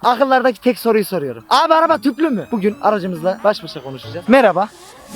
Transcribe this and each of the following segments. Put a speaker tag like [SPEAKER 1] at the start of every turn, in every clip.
[SPEAKER 1] Akıllardaki tek soruyu soruyorum. Abi araba tüplü mü? Bugün aracımızla baş başa konuşacağız. Merhaba.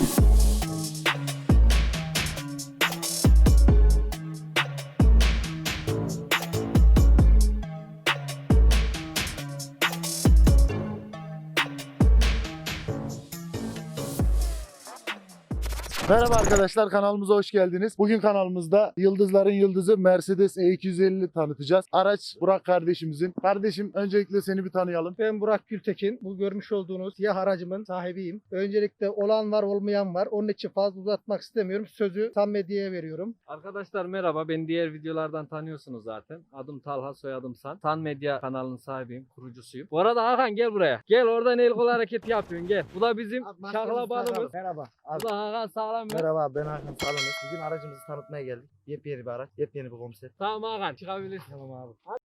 [SPEAKER 2] Merhaba arkadaşlar, kanalımıza hoş geldiniz. Bugün kanalımızda yıldızların yıldızı Mercedes E250 tanıtacağız. Araç Burak kardeşimizin. Kardeşim, öncelikle seni bir tanıyalım.
[SPEAKER 3] Ben Burak Gültekin. Bu görmüş olduğunuz siyah aracımın sahibiyim. Öncelikle olan var olmayan var. Onun için fazla uzatmak istemiyorum. Sözü Tan Medya'ya veriyorum.
[SPEAKER 4] Arkadaşlar merhaba, beni diğer videolardan tanıyorsunuz zaten. Adım Talha, soyadım San. Tan Medya kanalının sahibiyim, kurucusuyum. Bu arada Hakan gel buraya. Gel, oradan el kol hareketi yapıyorsun, gel. Bu da bizim şaklabanımız.
[SPEAKER 1] Merhaba.
[SPEAKER 4] Bu da Hakan sağlam mı?
[SPEAKER 1] Merhaba, ben Hakan Salonuz. Bugün aracımızı tanıtmaya geldik. Yepyeni bir araç, yepyeni bir konsept.
[SPEAKER 4] Tamam Hakan, çıkabilirsin.
[SPEAKER 1] Tamam abi.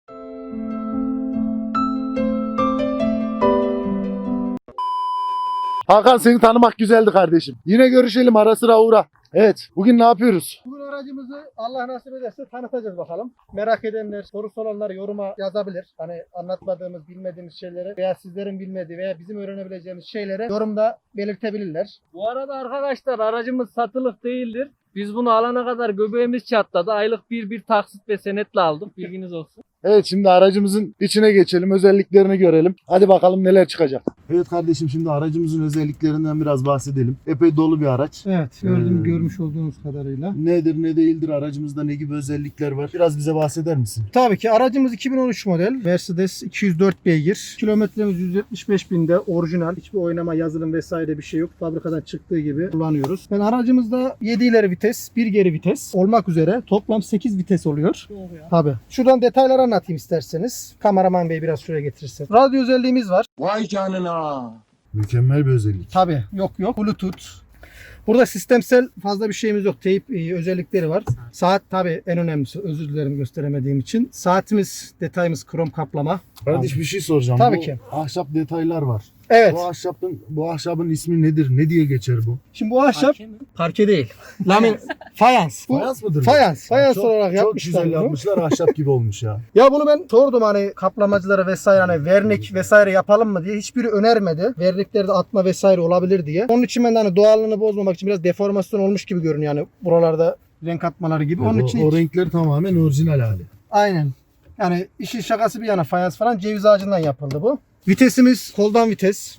[SPEAKER 2] Hakan, seni tanımak güzeldi kardeşim. Yine görüşelim, ara sıra uğra. Evet, bugün ne yapıyoruz?
[SPEAKER 3] Bugün aracımızı Allah nasip ederse tanıtacağız bakalım. Merak edenler, sorusu olanlar yoruma yazabilir. Hani anlatmadığımız, bilmediğimiz şeyleri veya sizlerin bilmediği veya bizim öğrenebileceğimiz şeyleri yorumda belirtebilirler.
[SPEAKER 4] Bu arada arkadaşlar, aracımız satılık değildir. Biz bunu alana kadar göbeğimiz çatladı. Aylık bir taksit ve senetle aldık. Bilginiz olsun.
[SPEAKER 2] Evet, şimdi aracımızın içine geçelim, özelliklerini görelim. Hadi bakalım neler çıkacak. Evet kardeşim, şimdi aracımızın özelliklerinden biraz bahsedelim. Epey dolu bir araç.
[SPEAKER 3] Evet, görmüş olduğunuz kadarıyla.
[SPEAKER 2] Nedir ne değildir, aracımızda ne gibi özellikler var? Biraz bize bahseder misin?
[SPEAKER 3] Tabii ki aracımız 2013 model. Mercedes 204 beygir. Kilometremiz 175 binde, orijinal. Hiçbir oynama, yazılım vesaire bir şey yok. Fabrikadan çıktığı gibi kullanıyoruz. Yani aracımızda 7 ileri vites, 1 geri vites olmak üzere toplam 8 vites oluyor.
[SPEAKER 4] Doğru ya.
[SPEAKER 3] Tabii. Şuradan detayları anlatayım isterseniz. Kameraman bey biraz şuraya getirsin. Radyo özelliğimiz var.
[SPEAKER 5] Vay canına.
[SPEAKER 2] Mükemmel bir özellik.
[SPEAKER 3] Tabii. Yok. Bluetooth. Burada sistemsel fazla bir şeyimiz yok. Teyp özellikleri var. Saat tabii en önemlisi. Özür dilerim gösteremediğim için. Saatimiz, detayımız krom kaplama.
[SPEAKER 2] Kardeş, bir şey soracağım.
[SPEAKER 3] Tabii
[SPEAKER 2] Bu
[SPEAKER 3] ki.
[SPEAKER 2] ahşap detaylar var.
[SPEAKER 3] Evet.
[SPEAKER 2] Bu ahşabın ismi nedir? Ne diye geçer bu?
[SPEAKER 3] Şimdi bu ahşap parke değil. Lamin fayans. Bu
[SPEAKER 2] Fayans mıdır? bu?
[SPEAKER 3] fayans. Fayans
[SPEAKER 2] Çok-
[SPEAKER 3] olarak
[SPEAKER 2] Çok
[SPEAKER 3] yapmışlar
[SPEAKER 2] güzel
[SPEAKER 3] bunu.
[SPEAKER 2] yapmışlar. Ahşap gibi olmuş ya.
[SPEAKER 3] Ya bunu ben sordum hani kaplamacılara vesaire hani vernik vesaire yapalım mı diye. Hiçbiri önermedi. Verniklerde atma vesaire olabilir diye. Onun için ben de hani doğallığını bozmamak için biraz deformasyon olmuş gibi görünüyor yani buralarda renk atmaları gibi. Onun için
[SPEAKER 2] o renkler tamamen orijinal hali.
[SPEAKER 3] aynen. Yani işin şakası bir yana fayans falan ceviz ağacından yapıldı bu. Vitesimiz koldan vites.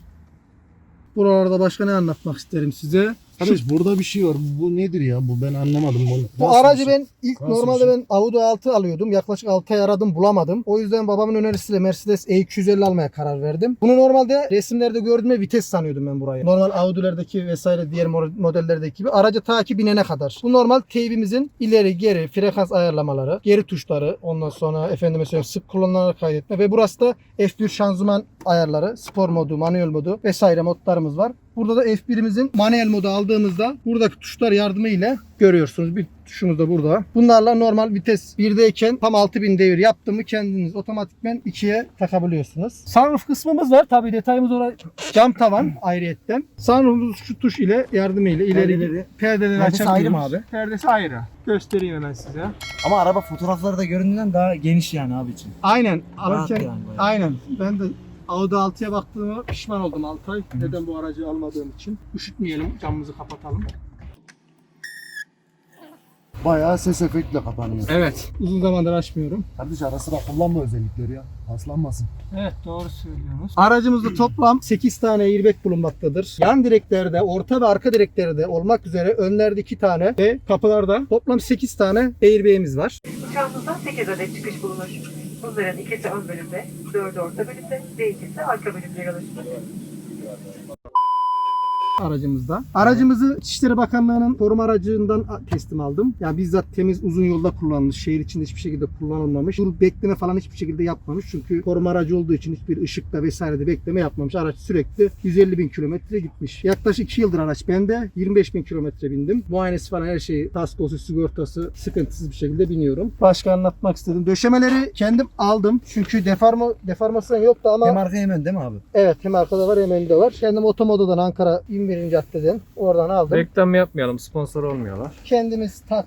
[SPEAKER 3] Buralarda başka ne anlatmak isterim size?
[SPEAKER 2] Kardeş, burada bir şey var. Bu nedir ya? Bu ben anlamadım bunu.
[SPEAKER 3] Bu
[SPEAKER 2] Nasıl bir
[SPEAKER 3] aracı
[SPEAKER 2] şey?
[SPEAKER 3] ben ilk
[SPEAKER 2] Nasıl bir
[SPEAKER 3] normalde
[SPEAKER 2] şey?
[SPEAKER 3] ben Audi 6 alıyordum. Yaklaşık 6 ay aradım bulamadım. O yüzden babamın önerisiyle Mercedes E250 almaya karar verdim. Bunu normalde resimlerde gördüğümde vites sanıyordum ben burayı. Normal Audi'lerdeki vesaire diğer modellerdeki gibi. Araca ta ki binene kadar. Bu normal teybimizin ileri geri frekans ayarlamaları, geri tuşları, ondan sonra efendime söyleyeyim sık kullanılarak kaydetme ve burası da F1 şanzıman ayarları, spor modu, manuel modu vesaire modlarımız var. Burada da F1'imizin manuel modu aldığımızda buradaki tuşlar yardımıyla görüyorsunuz. Bir tuşumuz da burada. Bunlarla normal vites 1'deyken tam 6000 devir yaptığımı kendiniz otomatikmen 2'ye takabiliyorsunuz. Sunroof kısmımız var. Tabii detayımız orada cam tavan ayrıyetten. Sunroof'umuz şu tuş ile yardımıyla ileri perdeleri
[SPEAKER 1] Perdesi
[SPEAKER 3] açabiliyoruz.
[SPEAKER 1] ayrı mı abi?
[SPEAKER 3] Perdesi ayrı. Göstereyim hemen size.
[SPEAKER 1] Ama araba fotoğrafları da göründüğünden daha geniş yani abi için.
[SPEAKER 3] Aynen.
[SPEAKER 1] Rahat
[SPEAKER 3] Alırken
[SPEAKER 1] yani bayağı.
[SPEAKER 3] aynen. Ben de Audi 6'ya baktığıma pişman oldum 6 ay. Neden bu aracı almadığım için. Üşütmeyelim, camımızı kapatalım.
[SPEAKER 2] Bayağı ses efektle kapanıyor.
[SPEAKER 3] Evet. Uzun zamandır açmıyorum.
[SPEAKER 2] Kardeş, ara sıra kullanma özellikleri ya. Paslanmasın.
[SPEAKER 3] Evet, doğru söylüyorsunuz. Aracımızda toplam 8 tane airbag bulunmaktadır. Yan direklerde, orta ve arka direklerde olmak üzere önlerde 2 tane ve kapılarda toplam 8 tane airbag'imiz var.
[SPEAKER 6] Uçağımızda 8 adet çıkış bulunur. Bunların ikisi ön bölümde, 4'ü orta bölümde ve ikisi arka bölümde yer alır.
[SPEAKER 3] Aracımızda. Aracımızı İçişleri Bakanlığı'nın koruma aracından teslim aldım. Yani bizzat temiz uzun yolda kullanılmış. Şehir içinde hiçbir şekilde kullanılmamış. Dur bekleme falan hiçbir şekilde yapmamış. Çünkü koruma aracı olduğu için hiçbir ışıkta vesairede bekleme yapmamış. Araç sürekli 150.000 kilometre gitmiş. Yaklaşık 2 yıldır araç bende. 25.000 kilometre bindim. Muayenesi falan her şeyi, kaskosu, sigortası sıkıntısız bir şekilde biniyorum. Başka anlatmak istedim. Döşemeleri kendim aldım. Çünkü deformasyon yoktu ama
[SPEAKER 1] Hem arka hem ön değil mi abi?
[SPEAKER 3] evet, hem arkada var hem önde var. Kendim Otomodo'dan Ankara 21. caddeden oradan aldım.
[SPEAKER 4] Reklam yapmayalım, sponsor olmuyorlar.
[SPEAKER 3] Kendimiz taktık.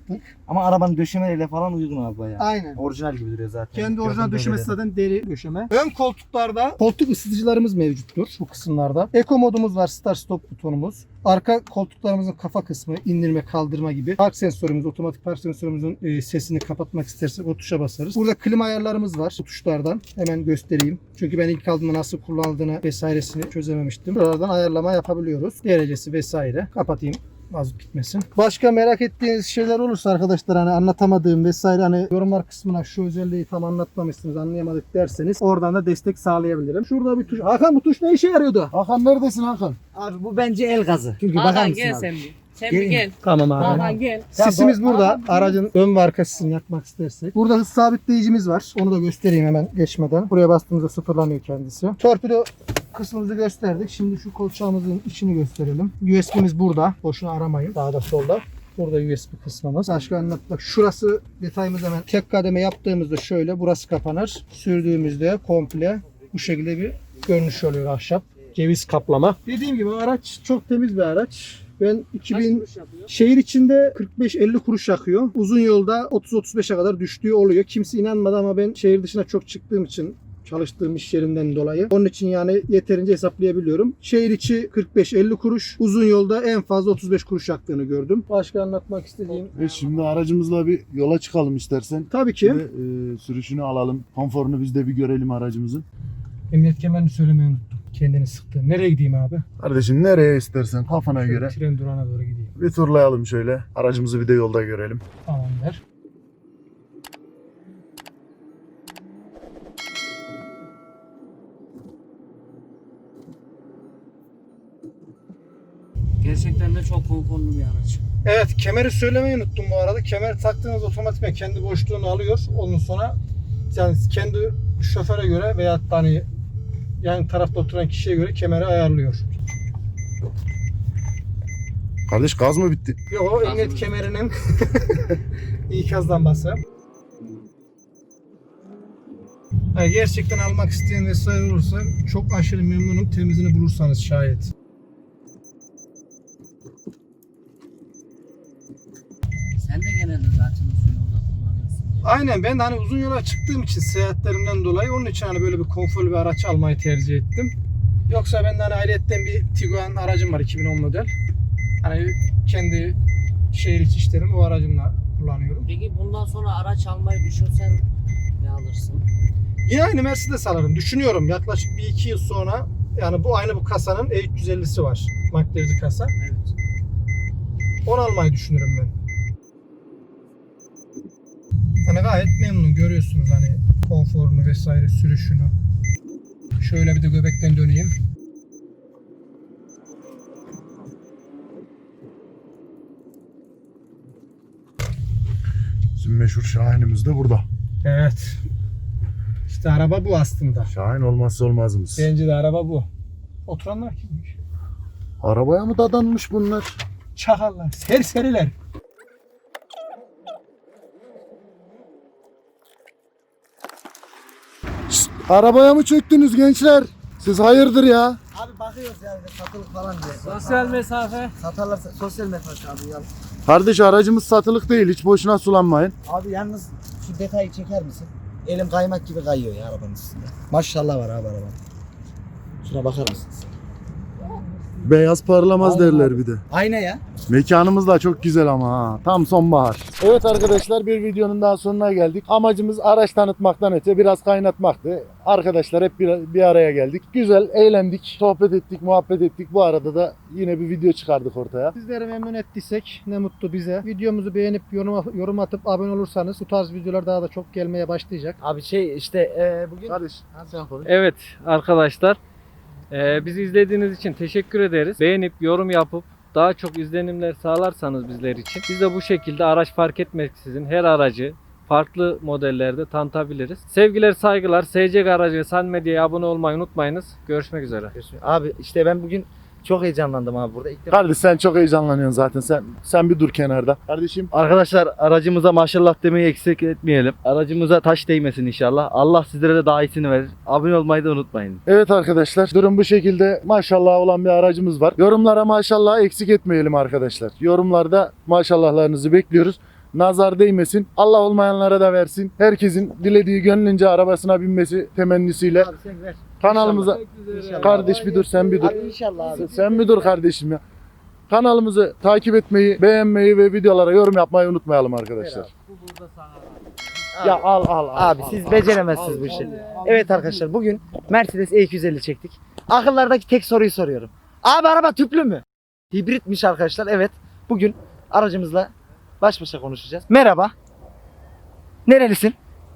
[SPEAKER 1] Ama arabanın döşemeleriyle falan uygun abi bayağı.
[SPEAKER 3] Aynen.
[SPEAKER 1] Orijinal gibi duruyor zaten.
[SPEAKER 3] Kendi orijinal
[SPEAKER 1] Gördüğüm
[SPEAKER 3] döşemesi
[SPEAKER 1] belirli.
[SPEAKER 3] zaten deri döşeme. Ön koltuklarda koltuk ısıtıcılarımız mevcuttur bu kısımlarda. Eko modumuz var, start stop butonumuz. Arka koltuklarımızın kafa kısmı, indirme kaldırma gibi. Park sensörümüz, otomatik park sensörümüzün sesini kapatmak istersek o tuşa basarız. Burada klima ayarlarımız var bu tuşlardan. Hemen göstereyim. Çünkü ben ilk aldığımda nasıl kullanıldığını vesairesini çözememiştim. Buralardan ayarlama yapabiliyoruz. Derecesi vesaire. Kapatayım. Mazot gitmesin. Başka merak ettiğiniz şeyler olursa arkadaşlar hani anlatamadığım vesaire hani yorumlar kısmına şu özelliği tam anlatmamışsınız anlayamadık derseniz oradan da destek sağlayabilirim. Şurada bir tuş. Hakan bu tuş ne işe yarıyordu?
[SPEAKER 2] Hakan neredesin Hakan?
[SPEAKER 1] Abi bu bence el gazı. Çünkü bakar
[SPEAKER 5] Hakan
[SPEAKER 1] mısın
[SPEAKER 5] gel
[SPEAKER 1] abi?
[SPEAKER 5] sen bir. Sen
[SPEAKER 1] Gelin.
[SPEAKER 5] bir gel.
[SPEAKER 3] Tamam abi.
[SPEAKER 5] Hakan gel.
[SPEAKER 3] Sisimiz burada. Aracın ön ve arka sisini yakmak istersek. Burada hız sabitleyicimiz var. Onu da göstereyim hemen geçmeden. Buraya bastığımızda sıfırlanıyor kendisi. Torpido kısmımızı gösterdik. Şimdi şu kolçağımızın içini gösterelim. USB'miz burada. Boşuna aramayın. Sağda solda. Burada USB kısmımız. Başka anlatmak. Şurası detayımız hemen tek kademe yaptığımızda şöyle burası kapanır. Sürdüğümüzde komple bu şekilde bir görünüş oluyor ahşap. Ceviz kaplama. Dediğim gibi araç çok temiz bir araç. Ben 2000 şehir içinde 45-50 kuruş yakıyor. Uzun yolda 30-35'e kadar düştüğü oluyor. Kimse inanmadı ama ben şehir dışına çok çıktığım için çalıştığım iş yerimden dolayı. Onun için yani yeterince hesaplayabiliyorum. Şehir içi 45-50 kuruş. Uzun yolda en fazla 35 kuruş yaktığını gördüm. Başka anlatmak istediğim.
[SPEAKER 2] Şimdi aracımızla bir yola çıkalım istersen.
[SPEAKER 3] Tabii ki.
[SPEAKER 2] Ve, sürüşünü alalım. Konforunu biz de bir görelim aracımızın.
[SPEAKER 3] Emniyet kemerini söylemeyi unuttum. Kendini sıktı. Nereye gideyim abi?
[SPEAKER 2] Kardeşim nereye istersen kafana
[SPEAKER 3] Şöyle
[SPEAKER 2] göre.
[SPEAKER 3] tren durağına doğru gideyim.
[SPEAKER 2] Bir turlayalım şöyle. Aracımızı bir de yolda görelim.
[SPEAKER 3] Tamamdır.
[SPEAKER 5] Gerçekten de çok konforlu bir araç.
[SPEAKER 3] Evet, kemeri söylemeyi unuttum bu arada. Kemer taktığınız otomatikman kendi boşluğunu alıyor. Ondan sonra yani kendi şoföre göre veya hani yan tarafta oturan kişiye göre kemeri ayarlıyor.
[SPEAKER 2] Kardeş gaz mı bitti?
[SPEAKER 3] Yok, emniyet kemerinin ikaz lambası. Yani gerçekten almak isteyen vesaire olursa çok aşırı memnunum. Temizini bulursanız şayet.
[SPEAKER 5] Sen de genelde zaten uzun yolda kullanıyorsun.
[SPEAKER 3] Aynen, ben de hani uzun yola çıktığım için seyahatlerimden dolayı onun için hani böyle bir konforlu bir araç almayı tercih ettim. Yoksa ben de hani ayrıyetten bir Tiguan aracım var 2010 model. Hani kendi şehir içi işlerimi o aracımla kullanıyorum.
[SPEAKER 5] Peki bundan sonra araç almayı düşünsen ne alırsın?
[SPEAKER 3] Yine aynı Mercedes alırım. Düşünüyorum yaklaşık 1-2 yıl sonra yani bu aynı bu kasanın E350'si var. Makyajlı kasa.
[SPEAKER 5] Evet.
[SPEAKER 3] Onu almayı düşünürüm ben. Hani gayet memnun görüyorsunuz hani konforunu vesaire sürüşünü. Şöyle bir de göbekten döneyim.
[SPEAKER 2] Bizim meşhur Şahin'imiz de burada.
[SPEAKER 3] Evet. İşte araba bu aslında.
[SPEAKER 2] Şahin olmazsa olmazımız.
[SPEAKER 3] Bence de araba bu. Oturanlar kimmiş?
[SPEAKER 2] Arabaya mı dadanmış bunlar?
[SPEAKER 3] Çakallar, serseriler.
[SPEAKER 2] Arabaya mı çöktünüz gençler? Siz hayırdır ya?
[SPEAKER 1] Abi bakıyoruz yani satılık falan diye.
[SPEAKER 5] Sosyal mesafe.
[SPEAKER 1] Satarlarsa sosyal mesafe abi ya.
[SPEAKER 2] Kardeş aracımız satılık değil. Hiç boşuna sulanmayın.
[SPEAKER 1] Abi yalnız şu detayı çeker misin? Elim kaymak gibi kayıyor ya arabanın üstünde. Maşallah var abi araba. Şuna bakar mısınız?
[SPEAKER 2] Beyaz parlamaz
[SPEAKER 1] Aynen
[SPEAKER 2] derler
[SPEAKER 1] abi.
[SPEAKER 2] bir de.
[SPEAKER 1] Ayna ya.
[SPEAKER 2] Mekanımız da çok güzel ama ha. Tam sonbahar. Evet arkadaşlar bir videonun daha sonuna geldik. Amacımız araç tanıtmaktan öte biraz kaynatmaktı. Arkadaşlar hep bir araya geldik. Güzel, eğlendik, sohbet ettik, muhabbet ettik. Bu arada da yine bir video çıkardık ortaya.
[SPEAKER 3] Sizleri memnun ettiysek ne mutlu bize. Videomuzu beğenip yorum atıp abone olursanız bu tarz videolar daha da çok gelmeye başlayacak.
[SPEAKER 1] Abi işte bugün...
[SPEAKER 2] Kardeş
[SPEAKER 1] Sen konuş.
[SPEAKER 4] Evet arkadaşlar, bizi izlediğiniz için teşekkür ederiz. Beğenip yorum yapıp daha çok izlenimler sağlarsanız bizler için biz de bu şekilde araç fark etmeksizin her aracı farklı modellerde tanıtabiliriz. Sevgiler, saygılar. SC Garaj ve San Medya'ya abone olmayı unutmayınız. Görüşmek üzere.
[SPEAKER 1] Abi işte ben bugün çok heyecanlandım abi burada. İlk defa...
[SPEAKER 2] Kardeş sen çok heyecanlanıyorsun zaten. Sen bir dur kenarda. Kardeşim
[SPEAKER 7] Arkadaşlar aracımıza maşallah demeyi eksik etmeyelim. Aracımıza taş değmesin inşallah. Allah sizlere de daha iyisini verir. Abone olmayı da unutmayın.
[SPEAKER 2] evet arkadaşlar durum bu şekilde. Maşallah olan bir aracımız var. Yorumlara maşallah eksik etmeyelim arkadaşlar. Yorumlarda maşallahlarınızı bekliyoruz. nazar değmesin. Allah olmayanlara da versin. Herkesin dilediği gönlünce arabasına binmesi temennisiyle.
[SPEAKER 1] Abi sen ver.
[SPEAKER 2] Kanalımıza
[SPEAKER 1] İnşallah.
[SPEAKER 2] kardeş bir dur, sen bir dur.
[SPEAKER 1] Abi inşallah abi.
[SPEAKER 2] Sen bir dur kardeşim ya. Kanalımızı takip etmeyi, beğenmeyi ve videolara yorum yapmayı unutmayalım arkadaşlar.
[SPEAKER 4] Bu burada sana.
[SPEAKER 2] Ya al.
[SPEAKER 1] Abi siz beceremezsiniz bu işi. Evet arkadaşlar bugün Mercedes E250 çektik. Akıllardaki tek soruyu soruyorum. Abi araba tüplü mü? Hibritmiş arkadaşlar. Evet. Bugün aracımızla baş başa konuşacağız. Merhaba. Nerelisin?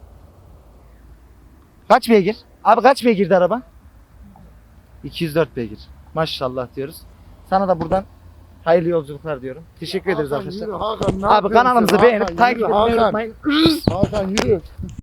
[SPEAKER 1] Kaç beygir? Abi kaç beygirdi araba? 204 beygir. Maşallah diyoruz. Sana da buradan hayırlı yolculuklar diyorum. Teşekkür ederiz arkadaşlar.
[SPEAKER 2] Hakan, ne
[SPEAKER 1] Abi
[SPEAKER 2] yapıyorsun
[SPEAKER 1] kanalımızı
[SPEAKER 2] sen?
[SPEAKER 1] beğenip
[SPEAKER 2] Hakan,
[SPEAKER 1] takip
[SPEAKER 2] yürü,
[SPEAKER 1] etmeyi
[SPEAKER 2] Hakan.
[SPEAKER 1] unutmayın.
[SPEAKER 2] Hakan yürü.